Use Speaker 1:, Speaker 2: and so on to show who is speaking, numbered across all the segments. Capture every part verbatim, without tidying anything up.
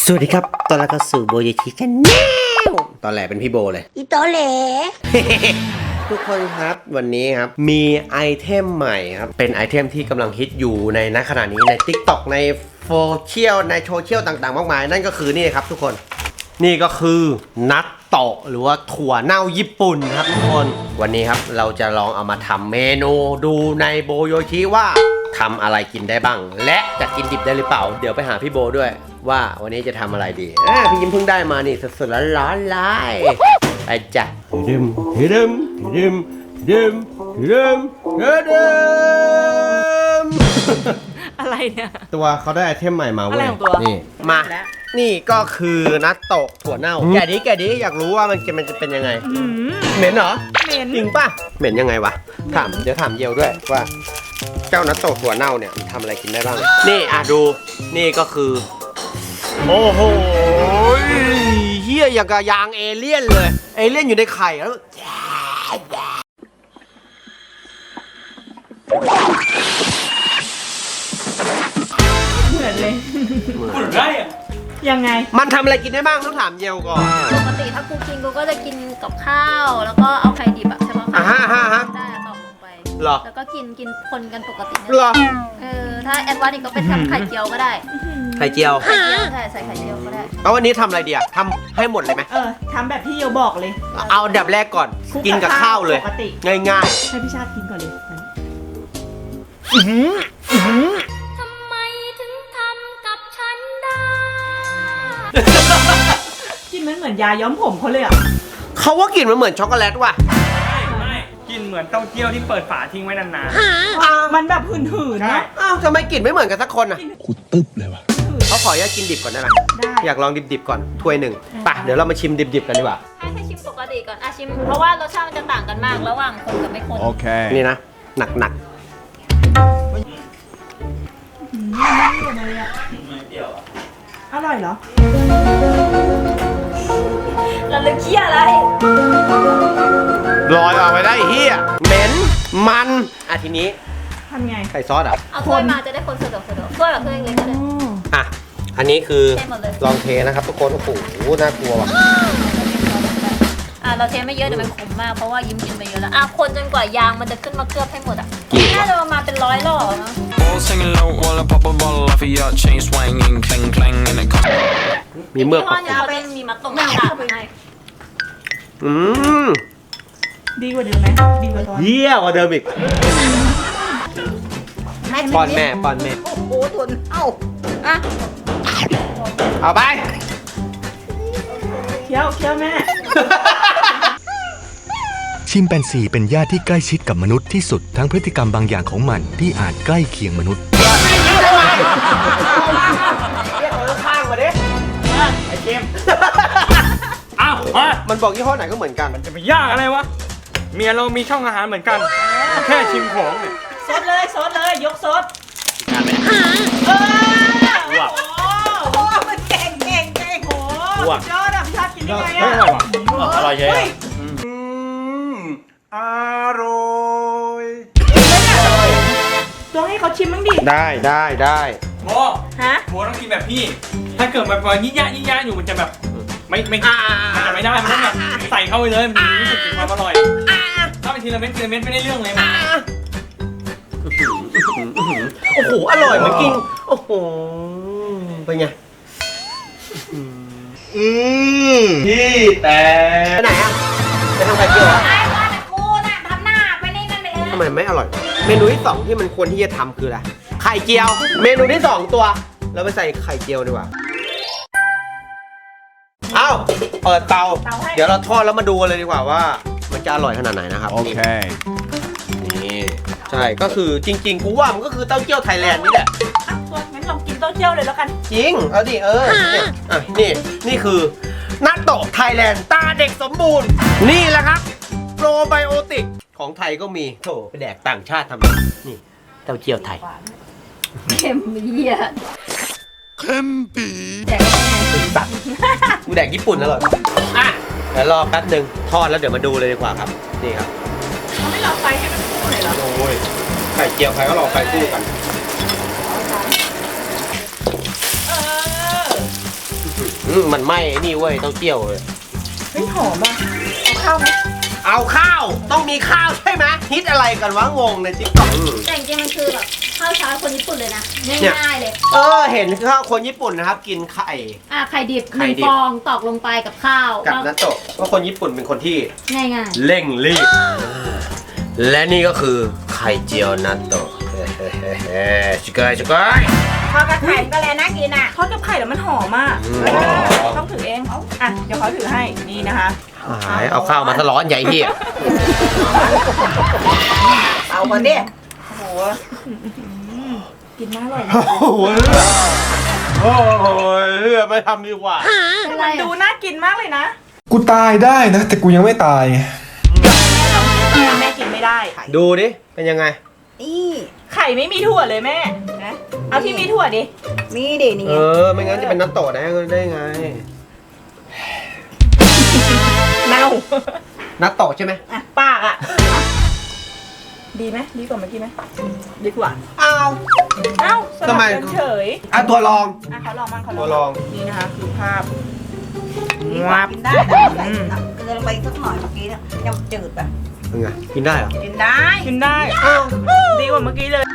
Speaker 1: สวัสดีครับตอนแรกเข้าสู่โบยชิกันแนวตอนแรกเป็นพี่โบเลย
Speaker 2: อีโตเหล
Speaker 1: ทุกคนครับวันนี้ครับมีไอเทมใหม่ครับเป็นไอเทมที่กำลังฮิตอยู่ในณขณะนี้ใน TikTok ในโซเชียลในโซเชียลต่างๆมากมายนั่นก็คือนี่ครับทุกคนนี่ก็คือนัตโตะหรือว่าถั่วเน่าญี่ปุ่นครับทุกคนวันนี้ครับเราจะลองเอามาทำเมนูดูในโบโยชิว่าทำอะไรกินได้บ้างและจะกินดิบได้หรือเปล่าเดี๋ยวไปหาพี่โบด้วยว่าวันนี้จะทำอะไรดีอ่าพี่ยิ้มเพิ่งได้มานี่สดๆร้อนๆเลยไปจ้ะดึมดึมดึมดึมดึมดึม
Speaker 3: อะไรเนี่ย
Speaker 1: ตัวเขาได้ไอเทมใหม่มาเว้ย
Speaker 3: อะไรของตัว
Speaker 1: นี่มานี่ก็คือนัตโตะถั่วเน่าแกะดิแกะดิอยากรู้ว่ามันมันจะเป็นยังไงเหม็นเหรอ
Speaker 3: เหม็น
Speaker 1: จริงป่ะเหม็นยังไงวะถามเดี๋ยวถามเยียวด้วยว่าเจ้านัตโตะถั่วเน่าเนี่ยมันทำอะไรกินได้บ้างนี่อ่ะดูนี่ก็คือโอ้โหเฮียอย่างกับยางเอเลี่ยนเลยเอเลี่ยนอยู่ในไข่แล้ว
Speaker 3: เหมือนเลย
Speaker 4: พูดได้อะ
Speaker 3: ยังไง
Speaker 1: มันทำอะไรกินได้บ้างต้องถามเยียวก่อน
Speaker 2: ปกติถ้ากูกินกูก็จะกินกับข้าวแล้วก็เอาไข่ดิบอะใช่ปะ
Speaker 1: อ่ะฮะฮะฮะ
Speaker 2: ได้ตอกลงไป
Speaker 1: เหรอ
Speaker 2: แล้วก็กินกินคนกันปกติเนี่ย
Speaker 1: เหรอ
Speaker 2: เออถ้าแอดวานซ์อีกก็เป็นทำไข่เจียวก็ได้
Speaker 1: ไข่เจียว
Speaker 2: ไข่เจียวใช่ใส่ไข่เจียวก็ได้
Speaker 1: แล้ววันนี้ทำอะไรดีอะทำให้หมดเลยไหม
Speaker 3: เออทำแบบที่โยบอกเลย
Speaker 1: เอาอันดับแรกก่อน
Speaker 3: คลุ
Speaker 1: กินกับข้าวเลย
Speaker 3: ปกติ
Speaker 1: ง่าย
Speaker 3: ให้พี่ชาติกินก่อนเลย
Speaker 1: ๆอื้อหืออื้อหือ
Speaker 2: ทำไมถึงทำกับฉันได้
Speaker 3: กินมันเหมือนยาย้อมผมเขาเลยอ่ะ
Speaker 1: เขาว่ากลิ่นมันเหมือนช็อกโกแลตว่ะ
Speaker 4: ไม่ไม่กินเหมือนเต้าเจี้ยวที่เปิดฝาทิ้งไว้นาน
Speaker 3: มันแบบหืนๆ
Speaker 4: ๆใช่
Speaker 3: นะ
Speaker 1: อ้าวทำไมกลิ่นไม่เหมือนกันสักคนอ่ะ
Speaker 5: กูตึ๊บเลยว่ะ
Speaker 1: เขาขออนุญาตกินดิบก่อนได้ไหม
Speaker 3: ได้
Speaker 1: อยากลองดิบๆก่อนถ้วยหนึ่งไปเดี๋ยวเรามาชิมดิบๆกันดีกว่า
Speaker 2: ให้ให้ชิมปกติก่อนอ่ะชิมเพราะว่ารสชาติมันจะต่างกันมากระหว่างคนกับไม่คน
Speaker 5: Okay.
Speaker 1: นี่นะหนัก
Speaker 3: อืมไม่เลยอ่ะอร่อยเหรอ
Speaker 2: เราเลยเคี้ยอะไร
Speaker 1: ๆลอยออกไปได้เฮียเหม็นมันอ่ะทีนี้
Speaker 3: ทำไง
Speaker 1: ใส่ซอสอ่ะ
Speaker 2: เอาถ้วยมาจะได้คนสะดวกสะดวกถ้วยแบบถ้วยเล็กๆก็ได้
Speaker 1: อ่ะอันนี้คือ
Speaker 2: เทหมดเลย
Speaker 1: ลองเทนะครับทุกคนโอ้โหน่ากลัวว่ะ
Speaker 2: อ่ะเราเทไม่เยอะเดี๋ยวมันขมมากเพราะว่ายิ้มกินไปเยอะแล้วอ่ะคนจนกว่ายางมันจะขึ้นมาเคลือบให้หมดอ่ะน่าจะประมาณเป็นร้อยหล่อเนาะ
Speaker 6: All singing low while I pop a bottle off of your chain swinging, clang clang, and it comes.
Speaker 1: มีเมือก
Speaker 2: ที่
Speaker 1: ปะ
Speaker 2: ห้อนี้เขาจะมีมัดตรงกลางให้
Speaker 1: อืม
Speaker 3: ดีกว่าเดิมไหมดีกว่าตอน
Speaker 1: เยี่ยกว่าเดิมอีกป้อนแม่ป้อนแม่
Speaker 2: โอ้โหทุนเอ้าอ่ะ
Speaker 1: เอาไป
Speaker 3: เคี้ยวเคี้ยวแม่
Speaker 5: ชิมแปนซีเป็นญาติที่ใกล้ชิดกับมนุษย์ที่สุดทั้งพฤติกรรมบางอย่างของมันที่อาจใกล้เคียงมนุษย์
Speaker 1: เรียกเขาข้างมาดิไอ้เจม
Speaker 4: อ้าวมา
Speaker 1: มันบอกยี่ห้อไหนก็เหมือนกัน
Speaker 4: จะไปยากอะไรวะ เมียเรามีช่องอาหารเหมือนกัน แค่ชิมของเนี่ย
Speaker 3: ซดเลยซดเลยยกซดเออโอ้โหมันเก่งเก่งเก่งโอ้โหสุดยอดอ่ะพี่ชาติกินได้ไง
Speaker 4: ไม่
Speaker 3: อ่ะ
Speaker 4: อร่อยว่ะอร่อยเยอะ
Speaker 1: อร่อย
Speaker 3: ต้องให้เขาชิมบ้างดิ
Speaker 1: ได้ได้ได้
Speaker 4: โม
Speaker 3: ฮะ
Speaker 4: โมต้องกินแบบพี่ ถ้าเกิดมันพอยิ่งยะยิ่งยะอยู่มันจะแบบไม่ไม่มันจะไม่ได้ มันต้องแบบใส่เข้าไปเลย มันจะรู้สึกถึงความอร่อย ถ้าเป็นทีละเม็ดทีละเม็ดไม่ได้เรื่องเลยมัน
Speaker 1: โอ้โหอร่อยเหมือนกินโอ้โหเป็นไงอืมพี่แต่ไปไหนอ่ะไปทำไข่เจียวเหรอ
Speaker 2: ไอ้ว่าแต่กูน่ะทำหน้าไปนี่นั่นไปเลย
Speaker 1: ทำไมไม่อร่อย เมนูที่สองที่มันควรที่จะทำคืออะไรไข่เจียว เมนูที่สองตัว เราไปใส่ไข่เจียวดีกว่าเอ้าเปิดเตา เดี๋ยวเราทอดแล้วมาดูกันเลยดีกว่าว่า มันจะอร่อยขนาดไหนนะครับ
Speaker 5: Okay.
Speaker 1: นี่ใช่ก็คือจริงๆกูว่ามันก็คือเต้าเจี้ยวไทยแลนด์นี่แหละ
Speaker 3: อ่ะตัวงั้นลองกินเต้าเจี้ยวเลยแล้วกัน
Speaker 1: จริง เอาดิ เออเนี่ยอ่ะนี่ นี่คือนัตโตะไทยแลนด์ตาเด็กสมบูรณ์ นี่แหละครับ โปรไบโอติก ของไทยก็มีโถไปแดกต่างชาติทำไมนี่เต้าเจี้ยวไทย
Speaker 2: เค็มเหี้ย
Speaker 5: Kempi.
Speaker 1: ตัดกูแดกญี่ปุ่นแล้วเหรออ่ะเดี๋ยวรอแป๊บหนึ่งทอดแล้วเดี๋ยวมาดูเลยดีกว่าครับ นี่ครับ
Speaker 3: เขาไม่รอไฟให้มันคู่เลยเหรอ
Speaker 1: โอ้ย ไข่เจียวใครก็รอไข่คู่กัน
Speaker 3: เออ
Speaker 1: อือืมมันไหม้ไอ้นี่เว้ยเต้าเจี้ยวเลย
Speaker 3: เฮ้ยหอมอ่ะเอาข้าวไหม
Speaker 1: เอาข้าวต้องมีข้าวใช่ไหมฮิตอะไรกันวะงงในติ๊กต็อก
Speaker 2: แต่จริงๆมันคือแบบข้าวเช้าคนญี่ปุ่นเลยนะง่ายๆเลย
Speaker 1: เออเห็นข้าวคนญี่ปุ่นนะครับ กินไข่
Speaker 2: อ่ะไข่ดิบห
Speaker 1: ไข่
Speaker 2: นึ่ง
Speaker 1: ดิบ
Speaker 2: ฟองตอกลงไปกับข้าว
Speaker 1: กับนัตโตะว่าคนญี่ปุ่นเป็นคนที่
Speaker 2: ง่าย
Speaker 1: เร่งรีบ และนี่ก็คือไข่เจียวนัตโตะเฮ้ๆชิคกี้ชิคกี้
Speaker 3: ทอดกับไข่ก็แล้วน่ากินอ่ะทอดกับไข่แล้วมันหอมอ่ะ
Speaker 1: อืม
Speaker 3: เออต้องถือเองอ่ะเดี๋ยวเขาถือให้นี่นะคะ
Speaker 1: หายเอาข้าวมาสร้อนใหญ่เหี้ย
Speaker 3: เอาก่อนดิโอ้โหกินน่าอร่อย
Speaker 1: โอ้โหโอ้โหเลือไม่ทำดีกว่า
Speaker 2: ๆเป็นไร
Speaker 3: ดู
Speaker 2: อ่ะ
Speaker 3: น่ากินมากเลยนะ
Speaker 7: กูตายได้นะ แต่กูยังไม่ตาย
Speaker 3: แม่กินไม่ได้
Speaker 1: ดูดิเป็นยังไง
Speaker 3: นี่ไข่ไม่มีถั่วเลยแม่นะเอาที่มีถั่วดิมีดินี่
Speaker 1: เออไม่งั้นจะเป็นนัตโตะได้ได้ไง
Speaker 3: เน่า
Speaker 1: นัตโตะใช่ไหม
Speaker 3: อ่ะปากอ่ะดีไหมดีกว่าเมื่อกี้ไหมดีกว่า
Speaker 1: อ้าว
Speaker 3: เอ้าสลับ
Speaker 1: ทำไม
Speaker 3: กันเฉย
Speaker 1: อ่ะตัวรอง
Speaker 3: อ่ะเขาลองมั่งเขา
Speaker 1: ตัวลอง
Speaker 3: นี่นะคะคือภาพ
Speaker 8: วับกินได้แต่ใส่เกลือลงไปสักหน่อยเมื่อกี้เนี่ยยังจืดแบบ
Speaker 1: เป็นไงกินได้เหรอ
Speaker 8: กินได้
Speaker 3: กินได้
Speaker 1: อ้าว
Speaker 3: ดีกว่าเมื่อกี้เลย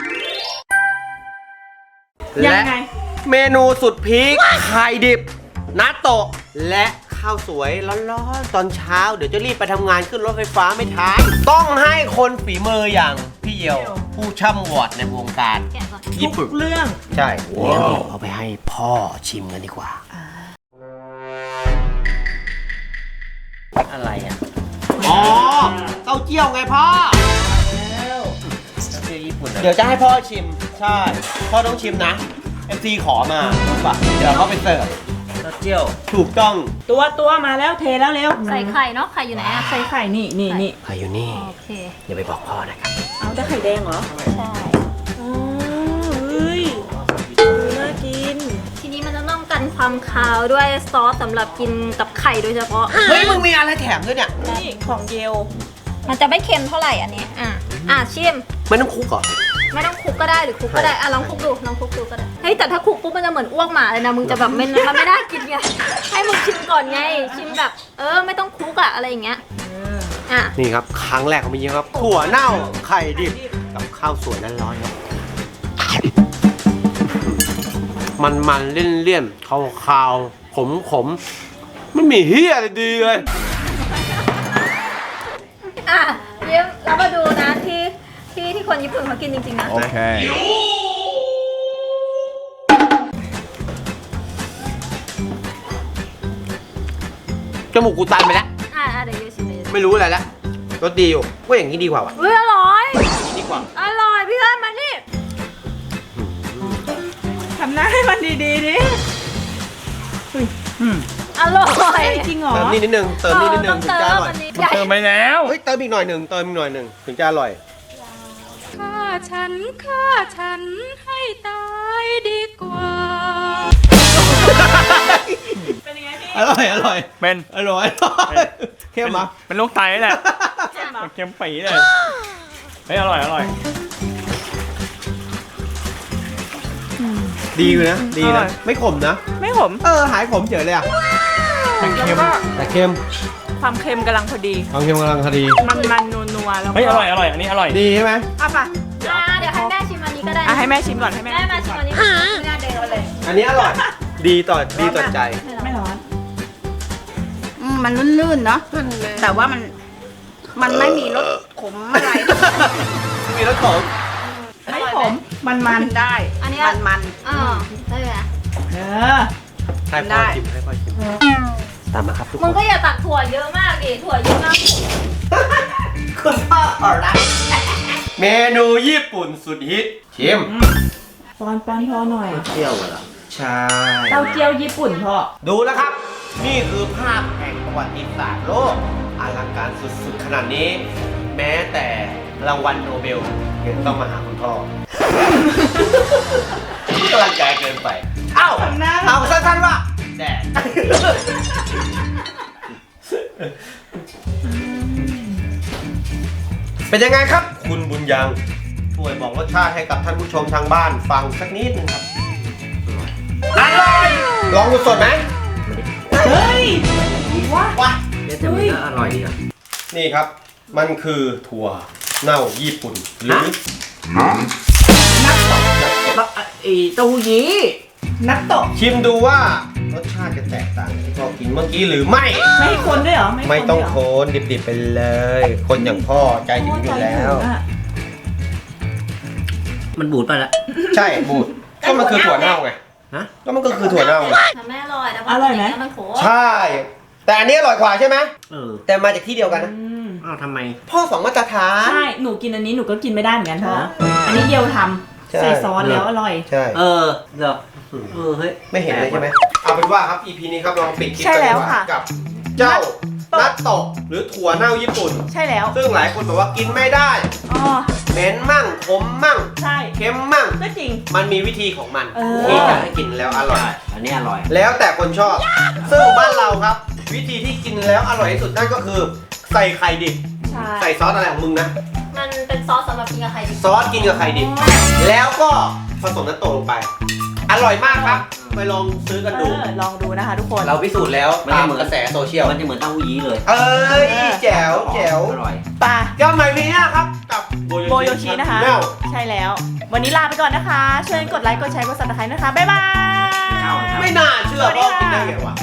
Speaker 3: ยั
Speaker 1: และ
Speaker 3: งไง
Speaker 1: เมนูสุดพีคไข่ดิบนัตโตะและข้าวสวยร้อนๆตอนเช้าเดี๋ยวจะรีบไปทำงานขึ้นรถไฟฟ้าไม่ทันต้องให้คนฝีมืออย่างพี่เยียว ผู้ช่ำวอดในวงการ
Speaker 2: แกะก่อน
Speaker 1: ญี่ปุ่น
Speaker 3: ทุกเรื่อง
Speaker 1: ใช่เดี๋ยวเอาไปให้พ่อชิมกันดีกว่า อะไรอ่ะ อ๋อ เต้าเจี้ยวไงพ่อเต้าเจี้ยวญี่ปุ่นเดี๋ยวจะให้พ่อชิม ใช่ พ่อต้องชิมนะ เอฟ ซี ขอมารู้ป่ะเดี๋ยวเขาไปเสิร์ฟเต้าเจี้ยว ถูกต้อง
Speaker 3: ตัวตัวมาแล้วเทแล้วเร็ว
Speaker 2: ใส่ไข่เนาะไข่อยู่ไหนอ่ะ
Speaker 3: ใส่ไข่นี่นี่นี่
Speaker 1: ใครอยู่นี่
Speaker 2: โอเค
Speaker 1: อย่าไปบอกพ่อนะครับ
Speaker 3: เอาแต่ไข่แดงเหรอ
Speaker 2: ใช่
Speaker 3: อ๋อเฮ้ยดูน่ากิน
Speaker 2: ทีนี้มันจะต้องกันความคาวด้วยซอสสำหรับกินกับไข่โดยเฉพาะ
Speaker 1: เฮ้ย มึงมีอะไรแถมด้วยเนี่ย
Speaker 3: นี่ของเยล
Speaker 2: มันจะไม่เค็มเท่าไหร่อันนี้อ่ะอ่ะชิม
Speaker 1: ไม่ต้องคลุกเหรอ
Speaker 2: ไม่ต้องคลุกก็ได้หรือคลุกก็ได้อ่ะลองคลุกดูลองคลุกดูก็ได้เฮ้ยแต่ถ้าคลุกปุ๊บมันจะเหมือนอ้วกหมาเลยนะมึงจะแบบไม่มันไม่น่ากินไงให้มึงชิมก่อนไงชิมแบบเออไม่ต้องคลุกอะอะไรอย่างเงี้ยอ่ะ
Speaker 1: นี่ครับ ครั้งแรกของพี่เยียวครับ ถั่วเน่า ไข่ดิบ กับข้าวสวยร้อนๆครับ มันมันเลี่ยนเลี่ยนๆขาวขาวขมขมๆไม่มีเฮียอะไรดีเลย
Speaker 2: อ่ะเดี๋ยวเรามาดูนะที่ที่ที่คนญี่ปุ่นเขากินจริงๆนะ
Speaker 1: โอเค จมูกกูตันไปแล้ว
Speaker 2: อ่ะอ่ะเดี๋ยวเดี๋ยวชิมเลย
Speaker 1: ไม่รู้อะไรแล้วรสดีอยู่ว่าอย่างนี้ดีกว่าว่ะ
Speaker 2: เฮ้ยอร่อย
Speaker 1: อย่างนี้ดีกว่า
Speaker 2: อร่อยพี่เอิญมานี่
Speaker 3: ทำหน้าให้มันดีๆดิ
Speaker 2: อร่อย
Speaker 3: จริงเหรอ
Speaker 1: เติมนี่นิดนึง เติมนี่นิดนึง
Speaker 2: ต้อง
Speaker 1: ถึง
Speaker 2: เติ
Speaker 1: จะอ
Speaker 2: ม
Speaker 1: ร่อย
Speaker 2: อันนี้ใหญ่
Speaker 4: เติมไปแล้ว
Speaker 1: เฮ้ย เติมอีกหน่อยหนึ่งเติมอีกหน่อยหนึ่งถึงจะอร่อย
Speaker 9: ฆ่าฉันฆ่าฉันให้ตายดีกว่า
Speaker 3: เป็นยังไงพี่
Speaker 1: อร่อย อร่อย
Speaker 4: เป็น
Speaker 1: อร่อยเข้มเหรอ
Speaker 4: เป็นโรคไตนี่แหละ
Speaker 3: เจ็บเหรอ
Speaker 4: เค็มปีเลยเฮ้ยอร่อยอร่อย
Speaker 1: ดีอยู่นะ ดี
Speaker 3: อร่
Speaker 1: นะ
Speaker 3: อย
Speaker 1: ไม่ขมนะ
Speaker 3: ไม่ขม
Speaker 1: เออ หายขมเฉยเลยอ่ะ
Speaker 3: แล้วก็
Speaker 1: แต่เค็ม
Speaker 3: ความเค็มกำลังพอดี
Speaker 1: ความเค็มกำลังพอดี
Speaker 3: มันมันนัวนัวๆแล้วก็
Speaker 4: เฮ้ยอร่อยอร่อยอันนี้อร่อย
Speaker 1: ดีใช่ไหม
Speaker 3: อ่ะป่ะ
Speaker 2: อ่ะเดี๋ยวให้แม่ชิมอันนี้ก็ได้
Speaker 3: อ่ะให้แม่ชิมก่อนให้แม่
Speaker 2: แม่มาชิมอันนี้ไม่น่าเดินเลย
Speaker 1: อันนี้อร่อย ดีต่อ ดีต่อใจ
Speaker 3: ไม่ร้อน
Speaker 8: อืมมันลื่นๆเนาะแต่ว่ามันมันไม่มีรสขมอะไร
Speaker 1: มีรสขม
Speaker 3: ไม่ขมมันมัน
Speaker 8: กินได้
Speaker 2: อันนี้
Speaker 8: มันมัน
Speaker 2: อ่าได้ไหม
Speaker 3: เออ
Speaker 1: ให้พ่อชิมให้พ่อชิมตามมาครับทุกค
Speaker 2: มึง
Speaker 1: น
Speaker 2: ก็อย่าตักถั่วเยอะมากดิถั่วเยอะมาก
Speaker 1: คุณพ่อขอรับเมนูญี่ปุ่นสุดฮิต ชิม
Speaker 3: ปอนปอนพอหน่อย
Speaker 1: เที่ยวเหรอ ใช่
Speaker 3: เต้าเจี้ยวญี่ปุ่นพ่อ
Speaker 1: ดูแล้วครับ นี่คือภาพแห่งประวัติศาสตร์โลกอลังการสุดๆ ขนาดนี้ แม้แต่รางวัลโนเบลยังต้องมาหาคุณพ่อ กำลังใจเกินไป เอ้า
Speaker 3: ทำหน้า
Speaker 1: เอาสั้นๆว่าแดด เป็นยังไงครับ คุณบุญยัง ช่วยบอกรสชาติให้กับท่านผู้ชมทางบ้านฟังสักนิดนึงครับ อร่อย ลองดูสดไหม
Speaker 3: ไม่ได้เฮ้ยว้า
Speaker 1: ว้า
Speaker 10: เดี๋ยวจะมีก็อร่อยดีอ่ะ
Speaker 1: นี่ครับ มันคือถั่วเน่าญี่ปุ่นหรือ
Speaker 10: ไอ้เต้าหู้ยี้
Speaker 3: นักตก
Speaker 1: ชิมดูว่ารสชาติจะแตกต่างจากที่พ่อกินเมื่อกี้หรือไม่
Speaker 3: ไม่ให้คนด้วยเหรอ
Speaker 1: ไม่ต้อง
Speaker 3: ด้วย
Speaker 1: โค
Speaker 3: เหร
Speaker 1: นดิบๆไปเลย คนอย่างพ่อใจถึงอยู่แล้ว
Speaker 3: โอ้ใจถึงอะ
Speaker 10: มันบูดไปละ
Speaker 1: ใช่บูดก็มันคือถั่วเน่าไง
Speaker 10: ฮะ
Speaker 1: ก็มันก็คือถั่วเน่าไง
Speaker 2: ทำไม่อร่อยนะ
Speaker 3: อร่อยไหม
Speaker 2: มันโข
Speaker 1: ใช่ แต่อันนี้อร่อยกว่าใช่ไหม
Speaker 10: เออ
Speaker 1: แต่มาจากที่เดียวกันนะ
Speaker 3: อืม
Speaker 10: อ้าวทำไม
Speaker 1: พ่อสองมาตรฐาน
Speaker 3: ใช่ หนูกินอันนี้หนูก็กินไม่ได้เหมือนกันเพราะ
Speaker 10: ฮะ
Speaker 3: อันนี้เดียวท
Speaker 1: ใช่
Speaker 3: ำใส่ซอสแล้วอร่อย
Speaker 1: ใช่
Speaker 10: เออเหรอเออเฮ้ย
Speaker 1: ไม่เห็นเลยใช่ไหมเอาเป็นว่าครับ อี พี นี้ครับลองปิดคลิป
Speaker 3: ใช่
Speaker 1: กัน
Speaker 3: แล้
Speaker 1: ดี
Speaker 3: ว
Speaker 1: กว่า
Speaker 3: ค่ะ
Speaker 1: กับเจ้านัตโตะหรือถั่วเน่าญี่ปุ่น
Speaker 3: ใช่แล้ว
Speaker 1: ซึ่งหลายคนบอกว่ากินไม่ได้
Speaker 3: อ๋อ
Speaker 1: เหม็นมั่งขมมั่ง
Speaker 3: ใช่
Speaker 1: เค็มมั่ง
Speaker 3: ก็จริง
Speaker 1: มันมีวิธีของมัน
Speaker 3: เออ
Speaker 1: ที่จะให้กินแล้วอร่อย
Speaker 10: อันนี้อร่อย
Speaker 1: แล้วแต่คนชอบ ซึ่งบ้านเราครับ วิธีที่กินแล้วอร่อยที่สุดนั่นก็คือ ใส่ไข่ดิบ
Speaker 3: ใช่
Speaker 1: ใส่ซอสอะไรของมึงนะ
Speaker 2: มันเป็นซอสสำหรับกินกับไข่ดิบ
Speaker 1: ซอสกินกับไข่ดิบ แล้วก็ผสมน้ำโตลงไป อร่อยมากครับ ไปลองซื้อกัน
Speaker 3: เอ
Speaker 1: ดู
Speaker 3: อลองดูนะคะทุกคน
Speaker 1: เราพิสูจน์แล้ว
Speaker 10: มัน
Speaker 1: ตา
Speaker 10: จะ
Speaker 1: ม
Speaker 10: เหมือน
Speaker 1: กระแสโซเชียล
Speaker 10: มันจะเหมือนเต้าหู้ยี้เลย
Speaker 1: เอ้ยแจ๋วแจ๋ว
Speaker 10: อร่อย
Speaker 3: ปลา
Speaker 1: ก็ใหม่พีหน้าครับ กับ
Speaker 3: โบโยชินะคะ
Speaker 1: แนล
Speaker 3: ใช่แล้ว วันนี้ลาไปก่อนนะคะ ช่วยกดไลค์ กดแชร์ กดซับสไครต์นะคะ บ๊ายบาย
Speaker 10: เอาครับ
Speaker 1: ไม่น่าเชื่อพ่อกินได้ไงวะ